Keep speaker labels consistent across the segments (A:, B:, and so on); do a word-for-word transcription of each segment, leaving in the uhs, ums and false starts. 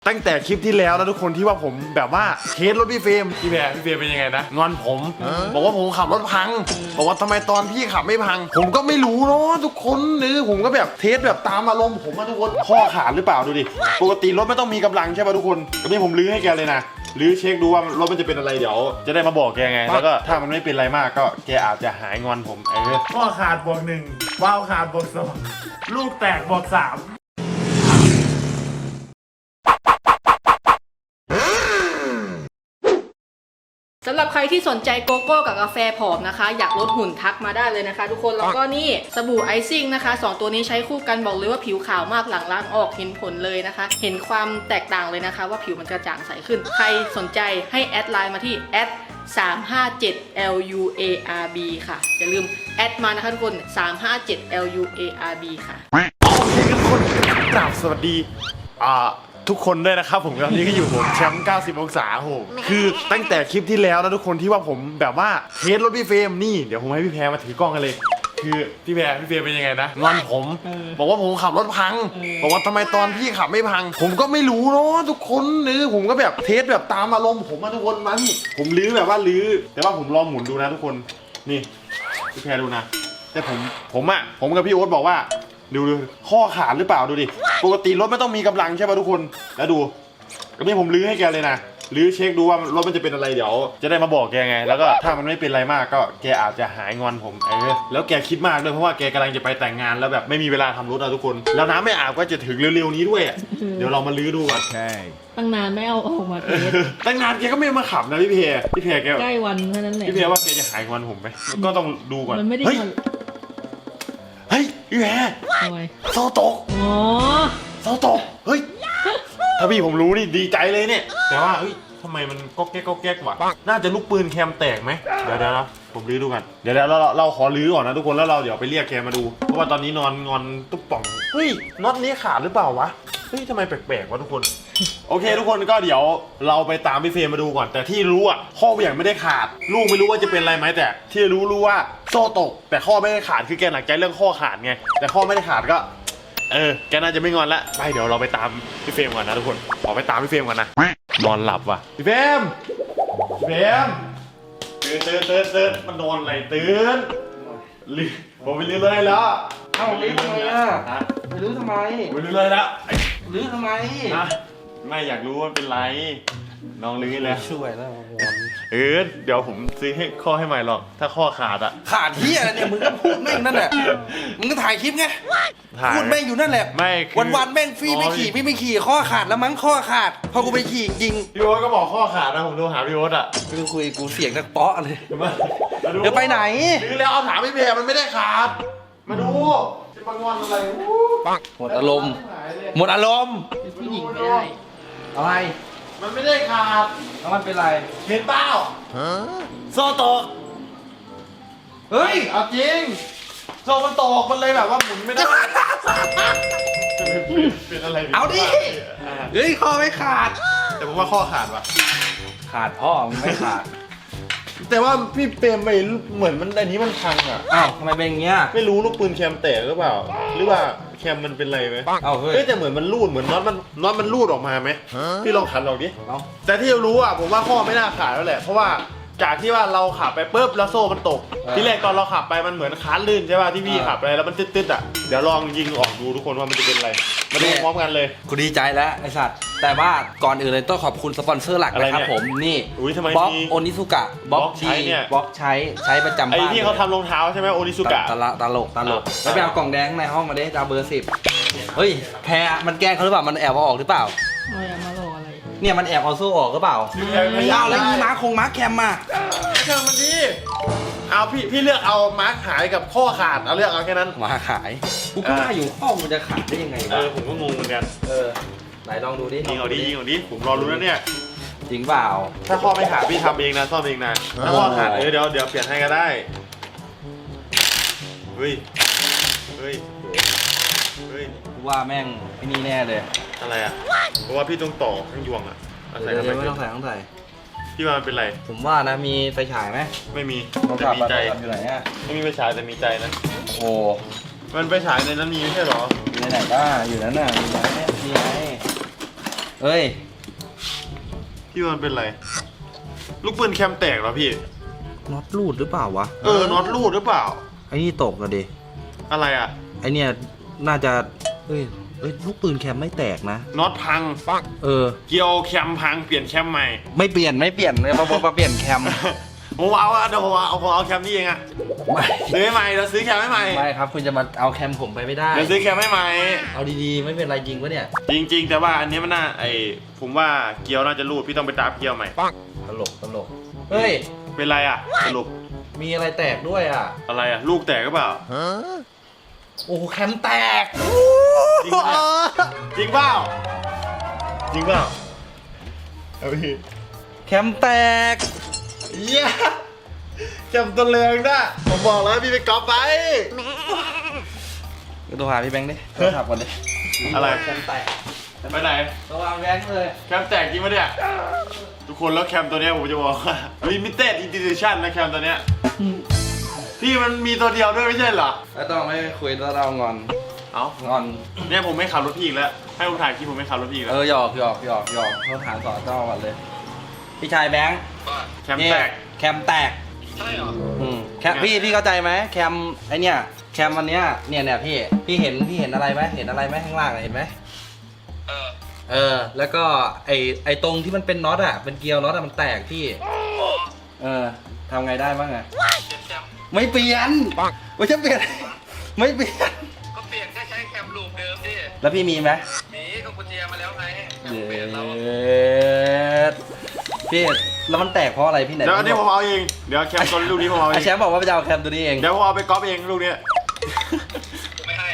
A: ตั้งแต่คลิปที่แล้วนะทุกคนที่ว่าผมแบบว่าเทสรถพี่เฟรมพี่แพรพี่เฟรมเป็นยังไงนะงอนผมบอกว่าผมขับรถพังบอกว่าทำไมตอนพี่ขับไม่พังผมก็ไม่รู้เนาะทุกคนนี่ผมก็แบบเทสแบบตามอารมณ์ผมมาทุกคนข้อขาดหรือเปล่าดูดิปกติรถไม่ต้องมีกำลังใช่ป่ะทุกคนก็นี่ผมลื้อให้แกเลยนะลื้อเช็คดูว่ารถมันจะเป็นอะไรเดี๋ยวจะได้มาบอกแกไงแล้วก็ถ้ามันไม่เป็นอะไรมากก็แกอาจจะหายงอนผมเออข้อขาดบวกหนึ่งว้าวขาดบวกสองลูกแตกบวกสาม
B: สำหรับใครที่สนใจโกโก้กับกาแฟผอมนะคะอยากลดหุ่นทักมาได้เลยนะคะทุกคนแล้วก็นี่สบู่ไอซิ่งนะคะสองตัวนี้ใช้คู่กันบอกเลยว่าผิวขาวมากหลังล้างออกเห็นผลเลยนะคะเห็นความแตกต่างเลยนะคะว่าผิวมันกระจ่างใสขึ้นใครสนใจให้แอดไลน์มาที่แอดสามห้าเจ็ด แอล ยู เอ อาร์ บี ค่ะอย่าลืมแอดมานะคะทุกคนสามห้าเจ็ด แอล ยู เอ อาร์ บี ค่ะ
A: โอเคทุกคนกราบสวัสดีอ่าทุกคนด้วยนะครับผมตอนนี้ก็อยู่ผมแชมป์เก้าสิบองศาโหคือตั้งแต่คลิปที่แล้วนะทุกคนที่ว่าผมแบบว่าเทสรถพี่เฟรมนี่เดี๋ยวผมให้พี่แพรมาถือกล้องกันเลยคือพี่แพรพี่เฟรมเป็นยังไงนะงอนผมบอกว่าผมขับรถพังบอกว่าทำไมตอนพี่ขับไม่พังผมก็ไม่รู้เนาะทุกคนนี่ผมก็แบบเทสแบบตามอารมณ์ผมมาทุกคนมานี่ผมลื้อแบบว่าลื้อแต่ว่าผมลองหมุนดูนะทุกคนนี่พี่แพรดูนะแต่ผมผมอะผมกับพี่โอ๊ตบอกว่าดูดูข้อขาดหรือเปล่าดูดิปกติรถไม่ต้องมีกำลังใช่ป่ะทุกคนแล้วดูก็นี่ผมลื้อให้แกเลยนะลื้อเช็คดูว่ารถมันจะเป็นอะไรเดี๋ยวจะได้มาบอกแกไงแล้วก็ถ้ามันไม่เป็นอะไรมากก็แกอาจจะหายงอนผมเออแล้วแกคิดมากด้วยเพราะว่าแกกำลังจะไปแต่งงานแล้วแบบไม่มีเวลาทำรถอะทุกคนแล้วน้ำไม่อาบก็จะถึงเร็วๆนี้ด้วยเดี๋ยวเรามาลื้อดูกัน
B: ตั้งนานไม่เอาออกมาเทส
A: ตั้งนานแกก็ไม่มาขับนะพี่เพรพี่เพรแก
B: ใกล้วันเท่านั้นแหละ
A: พี่เพรว่าแกจะหายงอนผมไหมก็ต้องดูก่อน
B: มันไม่ได้
A: เฮ้ยพี่แพรโซตก
B: อ๋อ
A: โซตกเฮ้ยถ้าพี่ผมรู้นี่ดีใจเลยเนี่ยแต่ว่าเฮ้ยทำไมมันก็แก๊กก็แก๊กวะน่าจะลูกปืนแคมแตกไหมเดี๋ยวเดี๋ยวผมลื้อดูกันเดี๋ยวเราเราขอลื้อก่อนนะทุกคนแล้วเราเดี๋ยวไปเรียกแกมาดูเพราะว่าตอนนี้นอนงอนตุ๊บป่องเฮ้ยน็อตนี้ขาดหรือเปล่าวะเฮ้ยทำไมแปลกๆวะทุกคนโอเคทุกคนก็เดี๋ยวเราไปตามพี่เฟรมมาดูก่อนแต่ที่รู้อ่ะข้อเหวี่ยงไม่ได้ขาดลูกไม่รู้ว่าจะเป็นอะไรไหมแต่ที่รู้รู้ว่าโซ่ตกแต่ข้อไม่ได้ขาดคือแกหนักใจเรื่องข้อขาดไงแต่ข้อไม่ได้ขาดก็เออแกน่าจะไม่งอนละไปเดี๋ยวเราไปตามพี่เฟรมก่อนนะทุกคนขอไปตามพี่เฟรมก่อนนะนอนหลับว่ะพี่เฟรมพี่เฟรมตื่นตื่นตื่นตื่นมันนอนอะไรตื่นลืมผมไปลืมเลยแล้ว
C: เอ้าลื้อทำไมอ่ะไปลื้อทำไม
A: ไปลืมเลยแล้ว
C: ลื้อทำไม
A: นะไม่อยากรู้ว่าเป็นไรน้องลื้อแล้ว
C: ช่วยแล้ว
A: เออเดี๋ยวผมซื้อให้ข้อให้ใหม่หรอกถ้าข้อขาดอะ
C: ขาดที่อะไรเนี่ยมึงก็พูดแม่งนั่นแหละมึงก็ถ่ายคลิปไงพูดแม่งอยู่นั่นแหละ
A: ไม่
C: วันวันแม่งฟรีไม่ขี่พี่ไม่ขี่ข้อขาดแล้วมั้งข้อขาดพอกูไปขี่จริง
A: พี่โอ๊ตก็บอกข้อขาดนะผมโทรหาพี่โอ๊ตอะ
C: กูคุยกูเสียงนักเปาะเลย
A: เดี๋
C: ยวไปไหน
A: ลื้อแล้วเอาถามพี่เพรมันไม่ได้ขาดมาดูจะมางอนอะไร
C: หมดอารมณ์หมดอารมณ์
B: ผู้หญิงไม่ได้
C: อะไร
A: มันไม่ได้ขาด
C: แล้วมันเป็นไร
A: เห็นเปล่าโซ่ตกเฮ้ยเอาจริงโซ่มันตกมันเลยแบบว่าหมุนไม่ได้เป็นอะไร
C: เอาดิเฮ้ยข้อไม่ขาด
A: แต่ผมว่าข้อขาดว่ะ
C: ขาดพ่อมันไม่ขาด
A: แต่ว่าพี่เปรมไปเหมือนมันอันนี้มันพังอ่ะ
C: อ้าวทำไมเป็นอย่างเงี้ย
A: ไม่รู้ลูกปืนแคมแตกหรือเปล่าหรือว่าแคมมันเป็นไรไหม
C: อ้าวเฮ้ย
A: แต่เหมือนมันรูดเหมือนน็อตมันน็อตมันรูดออกมาไหมพี่ลองขันลองดิแต่ที่รู้อ่ะผมว่าข้อไม่น่าขาดแล้วแหละเพราะว่าจากที่ว่าเราขับไปปุ๊บแล้วโซ่มันตกที่แรกตอนเราขับไปมันเหมือนค้านลื่นใช่ป่ะที่พี่ขับไปแล้วมันตึ๊ดๆอ่ะเดี๋ยวลองยิงออกดูทุกคนว่ามันจะเป็นอะไรมาดูพร้อมกันเลย
C: กูดีใจแล้วไอสัตว์แต่ว่าก่อนอื่นเลยต้องขอบคุณสปอนเซอร์หลักนะครับผมนี่บล็อกโอนิสุกะบล็อกใช้เนี่ยบล็อกใช้ใช้ประจำบ้าน
A: ไอที่เขาทำรองเท้าใช่ไหมโอนิสุกะ
C: ตลกตลกตลกแล้วไปเอากล่องแดงในห้องมาดิจะเบอร์สิบเฮ้ยแพรมันแกล้งเขาหรือเปล่ามันแอบเอาออกหรือเปล่า
B: ไม่เอามาหลอกอะไร
C: เนี่ยมันแอบเอาโซ่ออกหรือเปล่าไม่เอาแล้วยีม้าคงม้าแคมมา
A: เชิญมันดีเอาพี่พี่เลือกเอามาร์คหายกับข้อขาดเอาเลือกเอาแค่นั้น
C: มาขายกูก็ว่าอยู่ข้อมันจะขาดได้ยังไง
A: เออผมก็งงเหมือนกัน
C: เออไหนลองดูดิ
A: ยิงเอาดิยิงเอาดิผมรอรู้แล้วเนี่ย
C: จริงเปล่า
A: ถ้าข้อไม่ขาดพี่ทำเองนะซ่อมเองนะถ้าข้อขาดเออเดี๋ยวเดี๋ยวเปลี่ยนให้ก็ได้เฮ้ยเฮ้ยเฮ้ย
C: กูว่าแม่งไอ้นี่แน่เลย
A: อะไรอ่ะเพราะว่าพี่ต้องต่อทั้งยวงอ่ะ
C: ใส่ไม่ต้องใส่ต้องใส่
A: พี่ว่ามันเป็นไร
C: ผมว่านะมีไฟฉายไหม
A: ไม่มีแต่มีใจ
C: อยู่ไหนอ่ะ
A: ไม่มีไฟฉายแต่มีใจนะ
C: โอ้
A: มันไฟฉายในนั้นมีไม่ใช่หรอ
C: อยู่ไหนก็อยู่นั้นน่ะมีไหนมีไหนเอ้ย
A: พี่มันเป็นไรลูกปืนแคมแตกเหรอพี่
C: น็อตรูดหรือเปล่าวะ
A: เออน็อตรูดหรือเปล่า
C: ไอ้นี่ตกอะดิ
A: อะไรอ่ะ
C: ไอเนี่ยน่าจะเอ้ยเอ้ยลูกปืนแคมไม่แตกนะ
A: น็อตพัง
C: เออ
A: เกี่ยวแคมพังเปลี่ยนแคมใหม่
C: ไม่เปลี่ยนไม่เปลี่ยนเลยมามาเปลี่ยนแคม
A: ผมเอาอะเดี๋ยวผมเอาผมเอาแคมนี่เองอะ
C: ไม่
A: ซื้อให้ใหม่เราซื้อแคมให้ใหม่
C: ไม่ครับคุณจะมาเอาแคมผมไปไม่ได้
A: เดี๋ยวซื้อแคมให้ใหม่
C: เอาดีๆไม่เป็นไรจริงปะเนี่ย
A: จริง ๆ แต่ว่าอันนี้มันน่าไอผมว่าเกียวน่าจะรูดพี่ต้องไปตามเกียวใหม่
C: ตลกตลกเฮ้ย
A: เป็นไรอะสรุป
C: มีอะไรแตกด้วยอ่ะ
A: อะไรอะลูกแตกหรือเปล่า
C: โอ้แคมแตก
A: จริงปะจริงเปล่าจริงเปล่าเอาพี่
C: แคมแตก
A: เยี่ยแคมตัวเรืองนะผมบอกแล้วพี่ไปก๊อปไป
C: ก็ตัวหาพี่แบงค์ดิโทรศัพท์ก่อนดิ
A: อะไร
C: แคมแตก
A: ไปไหน
C: ตัววางแบงค์เลย
A: แคมแตกจริงปะเนี่ยทุกคนแล้วแคมตัวเนี้ยผมจะบอกว่า limited edition นะแคมตัวเนี้ยพี่มันมีตัวเดียวด้วยไม่ใช่เหรอ
C: แล้วต้องไม่คุยแล้วเรางอน
A: เอ้าง
C: อน
A: เนี่ยผมไม่ขับรถพี่อีกแล้วให้ผมถ่ายคลิปผมไม่ขับรถพี่อีก
C: เอ
A: แล้ว
C: อหยอกหยอกหยอกหยอกเขาถามสอนเจ้าก่อนเลย พี่ชายแบงค์
A: แคมแตก
C: นี่แคมแตก
D: ใช่เหรอ
C: อืมแคมพี่พี่เข้าใจไหมแคมไอเนี่ยแคมอันเนี้ยเนี่ยเนี่ยพี่พี่เห็นพี่เห็นอะไรไหมเห็นอะไรไหมข้างล่างอะเห็นไหม
D: เออ
C: เออแล้วก็ไอไอตรงที่มันเป็นน็อตอ่ะเป็นเกลียวน็อตอ่ะมันแตกพี่
D: อ๋อ
C: เออทำไงได้บ้างอะ
D: เจ็บแคม
C: ไม่เปลี่ยนไม่ใช่เปลี่ยน ไม่เปลี่ยน
D: ก็เปลี่ยนแค่ใช้แคมลูปเดิมดิ
C: แล้วพี่มีไหม
D: หมีก็กุญแจมาแล้วไงแคม
C: เย
D: เปลี่ยนเรา
C: ดพี่แล้วมันแตกเพราะอะไรพี่ไหน
A: เดี๋ยวอันนี้ผมเอาเองเดี๋ยวแคมตัวลูกนี้ผมเอาเอ
C: ไอง แชมป์บอกว่าไปจะเอาแคมตัวนี้เอง
A: เดี๋ยวผมเอาไปก๊อปเองลูกเนี้ย
D: ไม่ให้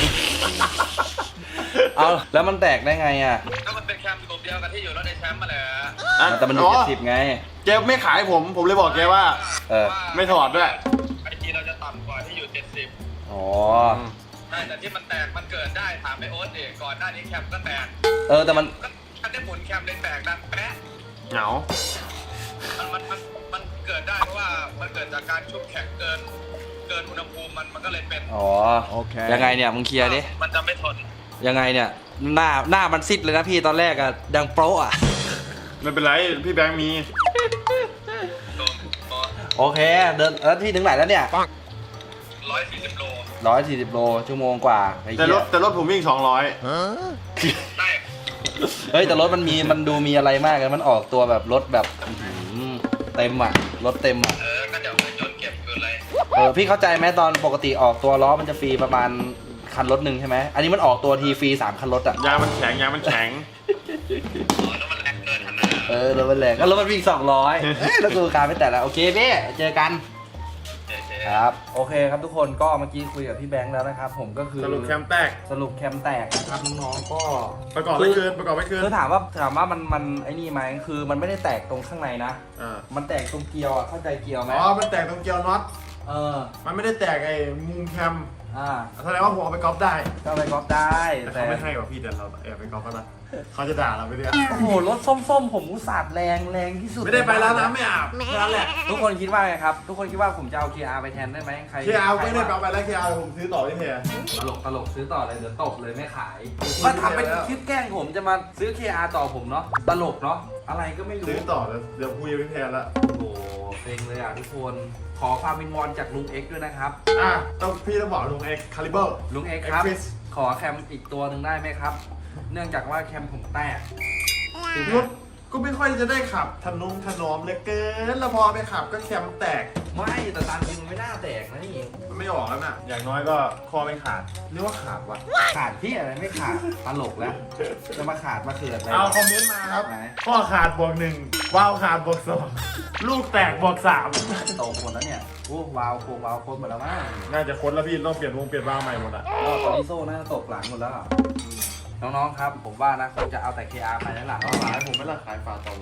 C: เอาแล้วมันแตกได้ไงอ่ะ
D: ก็มันเป็นแคมลูปเดียวกันที่อยู่รถในแชมป์มาแหละ
A: อ่ะ
C: แต่มันอยู่เจ็ดสิบไง
A: เจมไม่ขายผมผมเลยบอกแกว่า
C: เออ
A: ไม่ถอดด้วย
D: ไอจีเราจะต่ำกว่าที่อยู่เจ็ดสิบ
C: อ๋อ
D: ใช่แต่ที่มันแตกมันเกิดได้ถามไอโอ๊ตดิก่อนหน้านี้แคมก็แตก
C: เออแต่มัน
D: ก็ถ้าได้หมุนแคมเลยแตกดังแป๊ะ
A: เหงา
D: มันมันมันมันเกิดได้เพราะว่ามันเกิดจากการชุบแข็งเกินเกินอุณหภูมิมันมันก็เลยเป็น
C: อ๋อโอเคยังไงเนี่ยมึงเคลียร์ดิ
D: มันจะไม่ทน
C: ยังไงเนี่ยหน้าหน้ามันซิดเลยนะพี่ตอนแรกอะดังโป๊ะอะ
A: ไม่เป็นไรพี่แบงค์มี
D: โดน
C: โอเคเดินแล้วพี่ถึงไหนแล้วเนี่ย
D: ร้อยสี่สิบโล
C: ร้อยสี่สิบโลชั่วโมงกว่าไอ้
A: แต่
C: เหี้
A: ร
C: ย
A: ถแต่รถผมวิ่งสองร้อย
D: ได้
C: เฮ้ยแต่รถมันมีมันดูมีอะไรมากเลยมันออกตัวแบบรถแบบอื้อหือเต็มอะรถเต็มอะ
D: เออ ก็เดี๋ยวไปโยนเก็บคืออะไร
C: เออพี่เข้าใจไหมตอนปกติออกตัวล้อมันจะฟรีประมาณคันรถหนึ่งใช่ไหมอันนี้มันออกตัวทีฟรีสามคันรถอะ
A: ยางมันแข็งยางมันแข็ง
D: อ๋อแล้วมันแรงเกินขนาด
C: เออรถมันแรงก็รถมันวิ่งสองร้อยเอ้ยแล้วกูการไม่แต่ละโอเคพี่เจอกัน
D: เจ๊
C: ครับโอเคครับทุกคนก็เมื่อกี้คุยกับพี่แบงค์แล้วนะครับผมก็คือ
A: สรุปแคมแตก
C: สรุปแคมแตกนะครับน้องๆก็
A: ประกอบไม่คืนประกอบไม่คืน
C: คือถามว่าถามว่ามันมันไอ้นี่ไหมคือมันไม่ได้แตกตรงข้างในนะ
A: อ่า
C: มันแตกตรงเกลียวอ่ะเข้าใจเกลียวไหม
A: อ๋อมันแตกตรงเกียวน็อต
C: เออ
A: มันไม่ได้แตกไอ้มุมแคม
C: อ่า
A: แสดงว่าผมเอาไปก๊อปได้
C: ก็ไปก๊อปได้
A: แต่
C: แต่
A: เขาไม่ให้ว่ะพี่แต่เราแอบไปก๊อปก็ได้เขาจะด่าเราไปเนี่ย
C: โอ้โหรถส้มๆผมอุตส่าห์แรงแรงที่สุด
A: ไม่ได้ไปแล้วนะไม่อาบแค่นั้นแหละ
C: ทุกคนคิดว่าไงครับทุกคนคิดว่าผมจะเอา เค อาร์ ไปแทนได้ไหมใคร
A: เคอาไม่ได้
C: ใคร
A: ไป
C: ว่า
A: เอาไปแล้วเคอาผมซื้อต่อที่เฮีย
C: ตลกตลกซื้อต่อเลยเดี๋ยวตบเลยไม่ขาย
A: ซื้อ
C: มาทำเป็น
A: แล้ว
C: คลิปแกล้งผมจะมาซื้อ เค อาร์ ต่อผมเนาะตลกเนาะอะไรก็ไม่รู้
A: ซื้อต่อเดี๋ยวเดี๋ยวคุยกับพี่แทนละ
C: โอ้โหเซ็งเลยอ่ะทุกคนขอความวิงวอนจากลุงเอ็กซ์ด้วยนะครับ
A: อ่ะต้องพี่ต้องบอกลุงเอ็กคาลิเบอร์
C: ลุงเอ็กซ์ครับ
A: X-Fix
C: ขอแคมอีกตัวหนึ่งได้ไหมครับ เนื่องจากว่าแคมผมแตก
A: รถก็ไม่ค่อยจะได้ขับถนนถนอมเหลยเกินแล้วพอไปขับก็แคมแตก
C: ไม่แต่ตามจริงมันไม่น่าแตกนะนี่
A: มันไม่ออกแล้วน่ะ อย่างน้อยก็คอไม่ขาดเรียกว่าขาดวะ
C: ขาดที่อะไรไม่ขาดตลกแล้วจะมาขาดมาเขือดอะไร
A: เอาคอมเมนต์มาครับ
C: ไหน
A: ข้อขาดบวกหนึ่งว้าวขาดบวกสองลูกแตกบวกสาม
C: โตหมดแล้วเนี่ยโอ้วาวโคมวาวโคมหมดแล้วมั้ง
A: น่าจะค้นแล้วพี่ต้องเปลี่ยนวงเปลี่ยนวาล์วใหม่หมดอ่ะ
C: ก็ตอนนี้โซ่น่าจะตกหลังหมดแล้วอะน้องๆครับผมว่านะคงจะเอาแต่ เค อาร์ ไปแล้วล่ะ
A: เอาขายผมไม่ละขายฝาต่อผมเลย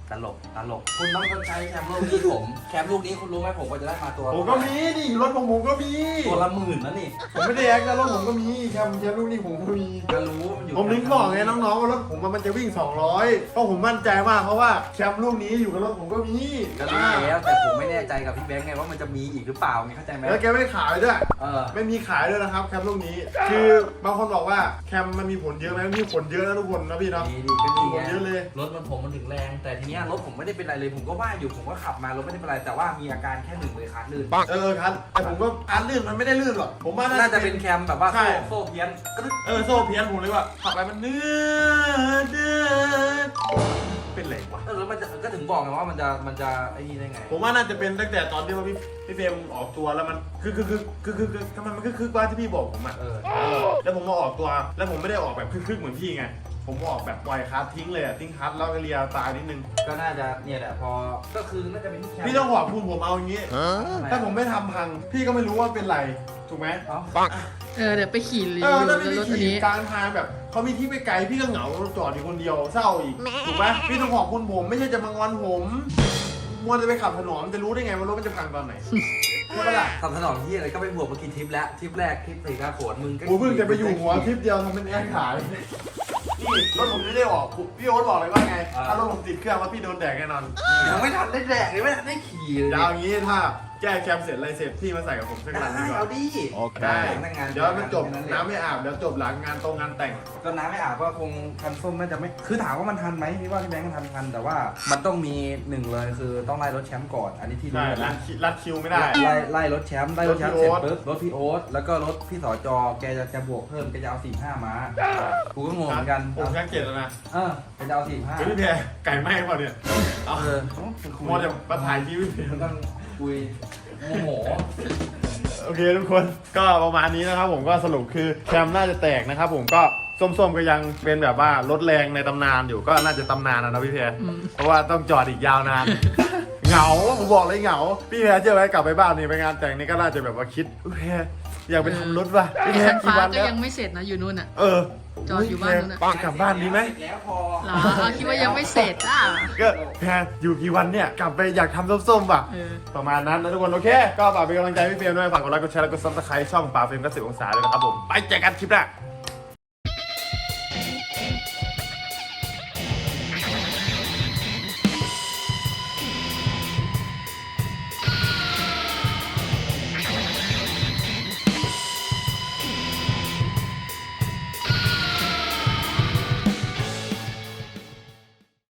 C: ตลกตลกคุณต้องชดใช้แคมลูกนี้ผมแคมลูกนี้คุณรู้ไหมผมว่าจะได้มาตัว
A: ผมก็มีนี่รถของผมก็มี
C: ตัวละหมื่นนะนี่
A: ผมไม่ได้แอคนะรถผมก็มีแคมแคมลูกนี่ผมก็มี
C: ก็รู้ว่ามันอยู่
A: ผมถึงบอกไงน้องๆว่ารถผมมันจะวิ่งสองร้อยเพราะผมมั่นใจมากเพราะว่าแคมลูกนี้อยู่กับรถผมก็มี
C: ก็รู้แล้วแต่ผมไม่แน่ใจกับพี่แบงค์ไงว่ามันจะมีอีกหรือเปล่าไงเข้าใจไหม
A: แล้วแกไม่ขายด้วย
C: เออ
A: ไม่มีขายด้วยนะครับแคมลูกนี้ คือบางคนบอกว่าแคมมันมีผลเยอะไหมมีผลเยอะนะทุกคนนะพี่เนาะ
C: ดีดีก็ดี
A: มีผลเยอะเลย
C: รถมันผมมันถึงแรง แต่ทีเนี้ยรถผมไม่ได้เป็นไรเลยผมก็ว่าอยู่ผมก็ขับมารถไม่ได้เป็นไรแต่ว่ามีอาการแค่หนึ่งเลยคันลื่น
A: เออครับแต่ผมก็อันลื่นมันไม่ได้ลื่นหรอกผมว่า
C: น่าจะเป็นแคมแบบว่า
A: ใช่
C: โซ่โซ่เพี้ยนกระดึ๊บ
A: เออโซ่เพี้ยนผมเลยว่าขับไปมันเนื้อเดือดเป็นไรวะ
C: เออแล้วมันจะก็ถึงบอกไงว่ามันจะมันจะไอ้นี่ได้ไง
A: ผมว่าน่าจะเป็นตั้งแต่ตอนที่ว่าพี่พี่เฟรมออกตัวแล้วมันคือคือคือคือคือคือทำไมมันคือคือว่าที่พี่บอกผมอ่ะ
C: เออ
A: เออแล้วผมมาออกตัวแล้วผมไม่ได้ออกแบบคึกๆเหมือนพี่ไงผมออกแบบปล่อยคลัสทิ้งเลยอะทิ้งคลัสแล้วก็เลียตายนิดนึง
C: ก็น่าจะเนี่ยแหละพอก็คือน่าจะเป็นที่แคม
A: พี่ต้องขอบคุณผมเอาอย่างงี้ ถ้าผมไม่ทำพัง พี่ก็ไม่รู้ว่าเป็นไร ถูกไหม
C: เอ้า
B: เออเดี๋ยวไปขี่รี
A: เอ
B: วิ
A: อ
B: ว
A: ถ้า
B: แล้
A: พี่
B: วรถ
A: ไป
B: อัน
A: ขี่
B: นี้
A: กลางทางแบบเขามีที่ไปไกลพี่ก็เหงาจอดอยู่คนเดียวเศร้าอีก ถูกไหมพี่ต้องขอบคุณผมไม่ใช่จะมางอนผมมัวจะไปขับถนนจะรู้ได้ไงว่ารถมันจะพังตอนไหนใช่ปะล่ะ
C: ทำถนนที่อะไรก็ไปบวกเมื่อกี้ทริปแล้วทริปแรกทริปสี่กาโขนมึงก็
A: กูเพิ่งจะไปอยู่หัวทริปเดียวทำเป็นแอคขายนี่รถผมไม่ได้ออกพี่โอ๊ตบอกเลยว่าไงถ้ารถผมติดเครื่องว่าพี่โดนแดกแน่นอน
C: ยังไม่ทันได้แดกเลยไม่ทันได้ขี่เลย
A: เดี๋ยวอย่างงี้ถ้าแก้แคมเสร็จอะไรเสร็จพี่มาใส่กับผมสักหลังดี
C: ได้
A: กว่า
C: เอาดิ
A: ได้
C: พนักงาน
A: เดี๋ยวมันจบน้ำไม่อาบเดี๋ยวจบหลังงานตรงงานแต่ง
C: ก็น้ำไม่อาบก็คงคันส้มน่าจะไม่คือถามว่ามันทันไหมพี่ว่าพี่แบงค์มันทันทันแต่ว่ามันต้องมีหนึ่งเลยคือต้องไล่รถแชมป์ก่อนอันนี้ที่รู้
A: ใช่
C: นะ
A: รัดคิรัดคิวไม่ได้
C: ไล่ไล่รถแชมป์ไล่รถแชมป์
A: รถ
C: เส
A: พี่
C: ร็จ
A: โอ๊ต
C: ปุ๊บรถพี่โอ๊ตแล้วก็รถพี่สอจอแกจะจะบวกเพิ่มแกจะเอาสี่ห้าม้ากูก็งงเหมือนกัน
A: ผมแค่เจ็ดแล้วนะ
C: เออแกจะเอาสี่ห้า
A: เฮ้ยพี่แพรไก่ไหม้เปล่าเนี่ยเอา
C: เออ
A: มอจะมาถ่ายคลิปพี่แพร
C: มันต้องคุยโมโห
A: โอเคทุกคนก็ประมาณนี้นะครับผมก็สรุปคือแคมน่าจะแตกนะครับผมก็ส้มๆก็ยังเป็นแบบว่ารถแรงในตำนานอยู่ก็น่าจะตำนานนะนะพี่แพรเพราะว่าต้องจอดอีกยาวนาน เหงาผมบอกเลยเหงาพี่แพรเชื่อไหมกลับไปบ้านนี่ไปงานแต่งนี่ก็น่าจะแบบว่าคิดพี่แพรอยากไปทำรถว่ะพี่แพร
B: คัน
A: กี่
B: ฟ้า
A: วัน
B: ก็
A: แล้ว
B: ยังไม่เสร็จนะอยู่นู่นอ่ะ
A: เออ
B: จอดอยู่บ้านนู้นน่ะ
A: จะกลับบ้านดีไหม
C: แล้วพอ
B: เหรอเอาคิดว่ายังไม่เสร็จอ่ะ
A: ก็แพรอยู่กี่วันเนี่ยกลับไปอยากทำส้มๆป่ะ
B: เออ
A: ประมาณนั้นนะทุกคนโอเคก็ฝากเป็นกำลังใจให้พี่เฟรมด้วยฝากกดไลค์กดแชร์แล้วก็ซับสไครต์ช่องป่าเฟรมก็สิบองศาเลยนะครับผมไปเจอกันคลิปหน้า